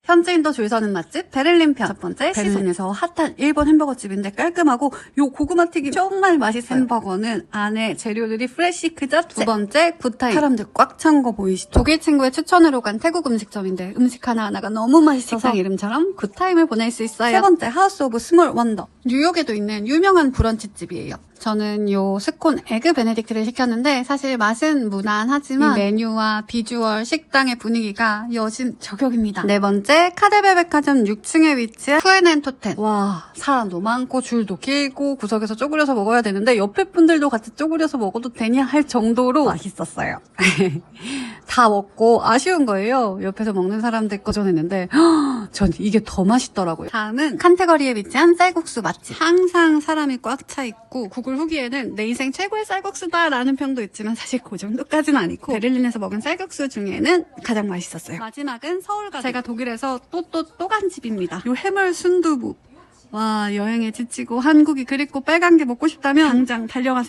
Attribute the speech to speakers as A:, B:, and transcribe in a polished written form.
A: 현지인도 줄 서는 맛집 베를린 편. 첫 번째, 베를린에서 핫한 일본 햄버거집인데 깔끔하고 요 고구마 튀김 정말 맛있어요. 햄버거는 안에 재료들이 프레시 그 자체. 두 번째, 굿타임. 사람들 꽉 찬 거 보이시죠? 독일 친구의 추천으로 간 태국 음식점인데 음식 하나하나가 너무 맛있어서 식당 이름처럼 굿타임을 보낼 수 있어요. 세 번째, 하우스 오브 스몰 원더. 뉴욕에도 있는 유명한 브런치집이에요. 저는 요 스콘 에그 베네딕트를 시켰는데 사실 맛은 무난하지만 이 메뉴와 비주얼, 식당의 분위기가 여신 저격입니다. 네 번째, 카데베 백화점 6층에 위치한 푸에넨토텐. 와, 사람도 많고 줄도 길고 구석에서 쪼그려서 먹어야 되는데 옆에 분들도 같이 쪼그려서 먹어도 되냐 할 정도로 맛있었어요. 다 먹고 아쉬운 거예요. 옆에서 먹는 사람들 거전했는데 전 이게 더 맛있더라고요. 다음은 칸테거리에 위치한 쌀국수 맛집. 항상 사람이 꽉 차 있고 구글 후기에는 내 인생 최고의 쌀국수다 라는 평도 있지만 사실 그 정도까지는 아니고 베를린에서 먹은 쌀국수 중에는 가장 맛있었어요. 마지막은 서울가족. 제가 독일에서 또 간 집입니다. 요 해물 순두부. 와, 여행에 지치고 한국이 그립고 빨간 게 먹고 싶다면 당장 달려가세요.